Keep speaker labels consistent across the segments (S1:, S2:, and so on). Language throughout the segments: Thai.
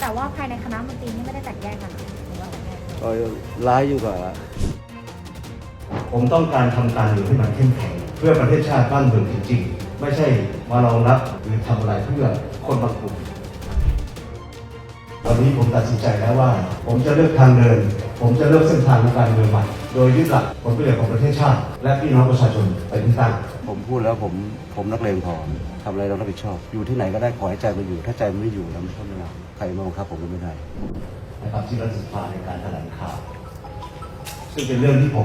S1: แต่ว่าภายในคณะมนตรีนี่ไม่ได้แตกแยกกันหรือว่าแตกแยก
S2: ร้ายยิ่งกว่า
S3: ผมต้องการทำการเมืองให้มันเข้มแข็งเพื่อประเทศชาติบ้านเมืองจริงๆไม่ใช่มารองรับหรือทำอะไรเพื่อคนบางกลุ่มวันนี้ผมตัดสินใจแล้วว่า ผมจะเลือกทางเดิน ผมจะเลือกเส้นทางในการเมืองใหม่โดยยึดหลักผลประโยชน์ของประเทศชาติ และพี่น้องประชาชนเป็นที่ตั้ง
S2: ผมพูดแล้วผมนักเลงพอทำอะไรเรารับผิดชอบ อยู่ที่ไหนก็ได้ขอให้ใจมันอยู่ ถ้าใจมันไม่อยู่แล้วมันก็ไม่ได้ใครมาบังคับผมก็ไม่ได้
S3: นะครับที่รัฐสภาในการแถลงข่าวซึ่งเป็นเรื่องที่ผม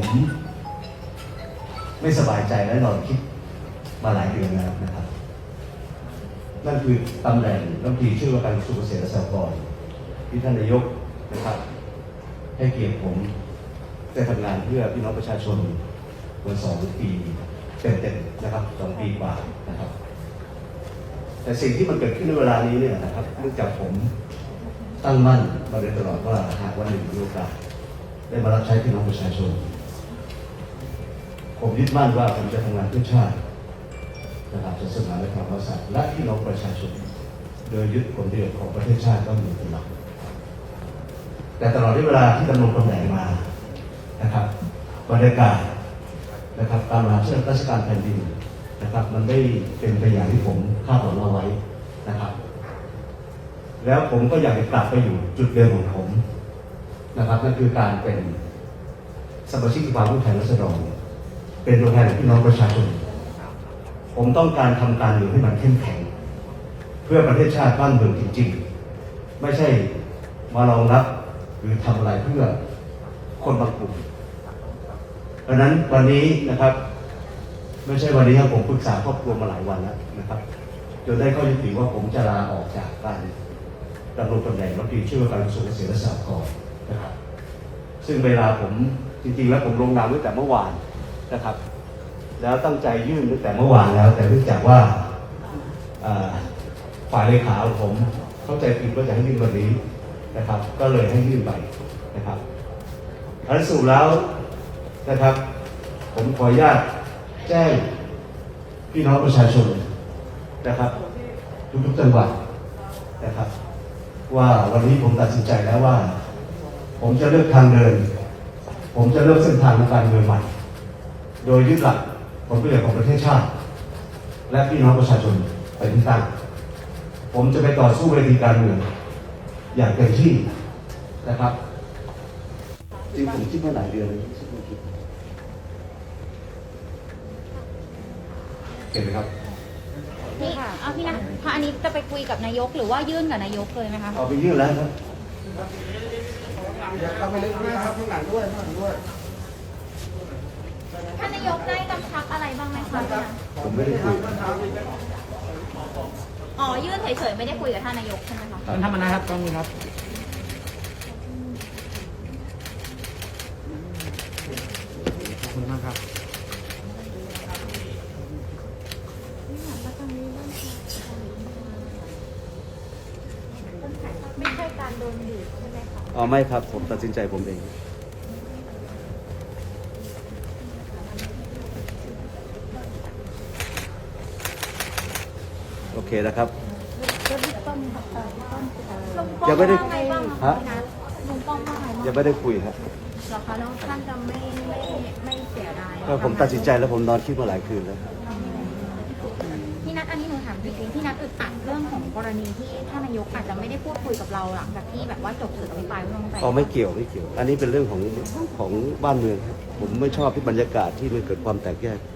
S3: ไม่สบายใจและนอนคิดมาหลายเดือนแล้วนะครับ นั่นคือตำแหน่งรัฐมนตรีช่วยว่าการกระทรวงเกษตรและสหกรณ์ที่ท่านนายกนะครับให้เกียรติผมได้ทำงานเพื่อพี่น้องประชาชนมา2 ปีเต็มๆนะครับ2 ปีกว่านะครับ แต่สิ่งที่มันเกิดขึ้นในเวลานี้เนี่ยนะครับเนื่องจากผมตั้งมั่นมาโดยตลอดว่าหากวันหนึ่งมีโอกาสได้มารับใช้พี่น้องประชาชน ผมยึดมั่นว่าผมจะทำงานเพื่อชาตินะครับศาสนาและพระมหากษัตริย์และพี่น้องประชาชน โดยยึดผลประโยชน์ของประเทศชาติต้องอยู่เป็นหลักแต่ตลอดที่เวลาที่ดำรงตำแหน่งมานะครับบรรยากาศนะครับการบริหารราชการแผ่นดินนะครับมันไม่เป็นไปอย่างที่ผมคาดหวังเอาไว้นะครับ แล้วผมก็อยากจะกลับไปอยู่จุดเดิมของผมนะครับนั่นคือการเป็นสมาชิกสภาผู้แทนราษฎรเป็นตัวแทนของพี่น้องประชาชน ผมต้องการทำการเมืองให้มันเข้มแข็งเพื่อประเทศชาติบ้านเมืองจริงๆไม่ใช่มารองรับหรือทำอะไรเพื่อคนบางกลุ่มเพราะนั้นวันนี้นะครับไม่ใช่วันนี้ครับผมปรึกษาครอบครัวมาหลายวันแล้วนะครับจนได้ข้อยุติว่าผมจะลาออกจากการดำรงตำแหน่งรัฐมนตรีช่วยว่าการกระทรวงเกษตรและสหกรณ์นะครับซึ่งเวลาผมจริงๆแล้วผมลงนามตั้งแต่เมื่อวานนะครับ แล้วตั้งใจยื่นตั้งแต่เมื่อวานแล้ว แต่เนื่องจากว่าฝ่ายเลขาของผมเข้าใจผิดว่าจะให้ยื่นวันนี้นะครับ ก็เลยให้ยื่นไปนะครับอันสรุปแล้วนะครับ ผมขออนุญาตแจ้งพี่น้องประชาชนนะครับทุกๆจังหวัดนะครับว่าวันนี้ผมตัดสินใจแล้วว่า ผมจะเลือกทางเดิน ผมจะเลือกเส้นทางในการเมืองใหม่โดยยึดหลักผลประโยชน์ของประเทศชาติ และพี่น้องประชาชนเป็นที่ตั้งผมจะไปต่อสู้เวทีการเมืองอย่างเต็มที่นะครับจริงผมคิดมาหลายเดือนเลยเห็นไหมครับ
S1: พี่เอาพี่นะพออันนี้จะไปคุยกับนายกหรือว่ายื่นกับนายกเลยไหมคะ
S3: เอาไปยื่นแล้วครับ
S4: อยากเข้าไปเล่นด้วยครับข้างหลังด้วยข้างหลังด้วย
S1: ท่านนายกได้กำชับอะไรบ้างไหมคะพี่นะ
S3: ผมไม่ได้คุย
S1: อ๋อยื่นเฉยๆไม่ได้คุยกับท่านนายกใช่ไหมคะ
S4: ท่านธรรมนัสครับกล้องนี้ครับขอบคุณมากครับ
S1: ไม่ใช่การโดนบีบใช่ไหมคะ
S2: อ๋อไม่ครับผมตัดสินใจผมเอง โอเคนะครับ
S1: ลุงป้อม
S2: ยังไม่ได้
S1: ว่าไงบ้าง
S2: ฮะ
S1: พี่นะลุงป้อมว่าไงบ้าง
S2: ยังไม่ได้คุยครับ
S1: เหรอคะแล้วท่านจะไม่เสียดาย
S2: ก็ผมตัดสินใจแล้วผมนอนคิดมาหลายคืนแล้ว
S1: พี่นัทอันนี้หนูถามจริงๆพี่นัทอึดอัดเรื่องของกรณีที่ท่านนายกอาจจะไม่ได้พูดคุยกับเราหลังจากที่แบบว่าจบสื่ออภิปรายไม่ไว้วางใจ
S2: อ๋อไม่เกี่ยว อันนี้เป็นเรื่องของบ้านเมืองครับผมไม่ชอบที่บรรยากาศที่มันเกิดความแตกแยก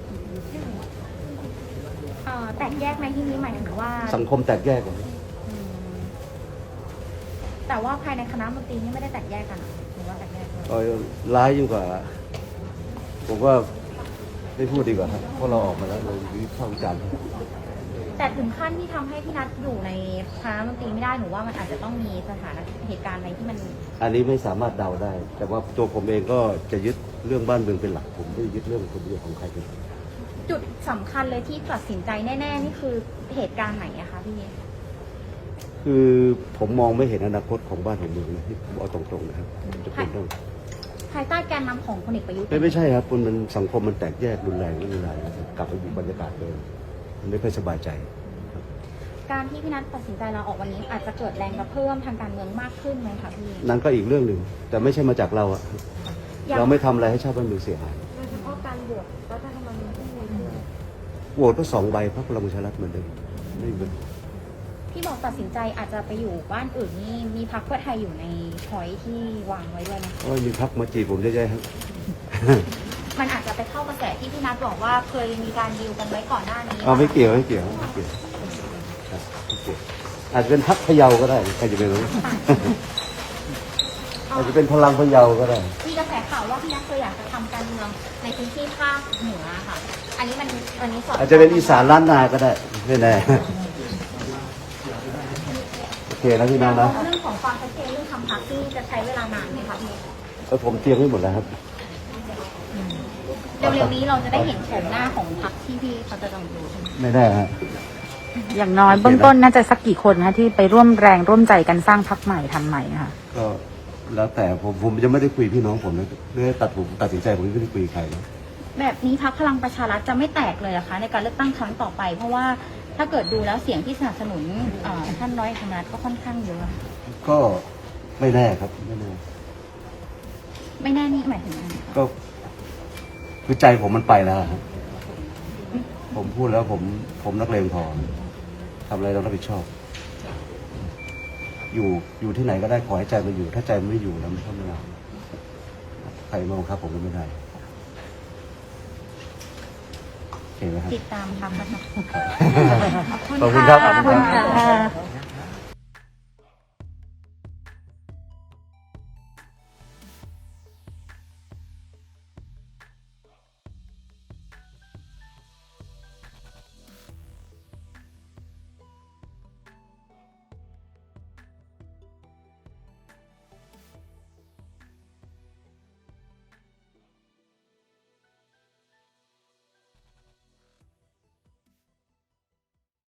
S1: แตกแยกในที่นี้หมายถึงว่า
S2: สังคมแตกแยกกัน
S1: อืมแต่ว่าภายในคณะมนตรีนี่ไม่ได้แตกแยกกันหรือว่าแตกแยกกัน
S2: ร้ายยิ่งกว่า ผมว่าไม่พูดดีกว่าครับเพราะเราออกมาแล้วเราวิพากษ์วิจารณ์
S1: แต่ถึงขั้นที่ทำให้พี่นัทอยู่ในคณะมนตรีไม่ได้หนูว่ามันอาจจะต้องมีสถานเหตุการณ์อะไรที่มัน
S2: อันนี้ไม่สามารถเดาได้ แต่ว่าตัวผมเองก็จะยึดเรื่องบ้านเมืองเป็นหลักผมไม่ได้ยึดเรื่องผลประโยชน์ของใครเป็นหลัก
S1: จุดสำคัญเลยที่ตัดสินใจแน่ๆนี่คือเหตุการณ์ไหนอะคะพี่
S2: คือผมมองไม่เห็นอนาคตของบ้านของเมืองนะที่ผมเอาตรงๆนะครับจะเป็นต้อง
S1: ภายใต้การนำของพลเอกประยุทธ์
S2: ไม่ใช่ครับมันสังคมมันแตกแยกรุนแรงนะครับกลับไปอยู่บรรยากาศเดิมมันไม่ค่อยสบายใจครับ
S1: การที่พี่นัทตัดสินใจลาออกวันนี้อาจจะเกิดแรงกระเพื่อมทางการเมืองมากขึ้นไหมคะพี่
S2: นั่นก็อีกเรื่องหนึ่งแต่ไม่ใช่มาจากเราอะเราไม่ทำอะไรให้ชาติบ้านเมืองเสียหาย
S1: โดยเฉพาะการบวชรัฐธรรมนูญที่มี
S2: โหวตก็2 ใบพรรคพลังประชารัฐเหมือนเดิมไม่มีปัญหา
S1: ที่บอกตัดสินใจอาจจะไปอยู่บ้านอื่นนี่มีพรรคเพื่อไทยอยู่ในพอยที่วางไว้ด้วยนะคะ
S2: โอ้ยมีพรรคมาจีบผมเยอะแยะครับ
S1: มันอาจจะไปเข้ากระแสที่พี่นัทบอกว่าเคยมีการดีลกันไว้ก่อนหน้านี้
S2: เอาไม่เกี่ยวไม่เกี่ยวไม่เกี่ยวครับไม่เกี่ยวอาจจะเป็นพรรคพะเยาก็ได้ใครจะไปรู้ อาจจะเป็นพลังพะเยาก็ได้
S1: มีกระแสข่าวว่าพี่นัทเคยอยากจะทำการเมืองในพื้นที่ภาคเหนือค่ะ อันนี้สอด
S2: อาจจะเป็นอีสานล้านนาก็ได้ไม่แน่ โอเคนะพี่น้องนะ
S1: เรื่องของความชัดเจนเรื่องทำพรรคที่จะใช้เวลานานไหมคะพี่
S2: ผมเตรียมไว้หมดแล้วครับ
S1: เร็วๆนี้เราจะได้เห็นโฉมหน้าของพรรคที่พี่เขาจะลงดูใช่ไหม
S2: ไม่ได้ฮะ
S5: อย่างน้อยเบื้องต้นน่าจะสักกี่คนคะที่ไปร่วมแรงร่วมใจกันสร้างพรรคใหม่ทำใหม่ค่ะ
S2: ก็แล้วแต่ผมยังไม่ได้คุยพี่น้องผมนะเรื่องตัดสินใจผมไม่ได้คุยใครนะ
S1: แบบนี้พรรคพลังประชารัฐจะไม่แตกเลยเหรอคะในการเลือกตั้งครั้งต่อไป เพราะว่าถ้าเกิดดูแล้วเสียงที่สนับสนุนท่านร้อยธรรมนัฐก็ค่อนข้างเยอะ
S2: ก็ไม่แน่ครับไม่แน่
S1: ไม่แน่นี่หมายถึงอะไรคะ
S2: ก็คือใจผมมันไปแล้วครับผมพูดแล้วผมนักเลงพอทำอะไรเรารับผิดชอบ อยู่ที่ไหนก็ได้ขอให้ใจมันอยู่ ถ้าใจมันไม่อยู่แล้วมันก็ไม่เอาใครมาบังคับผมก็ไม่ได้โอเคไหมครับ
S1: ติดตามพรรคนะคะ
S2: ขอบคุณครับ
S5: ขอบคุณค่ะ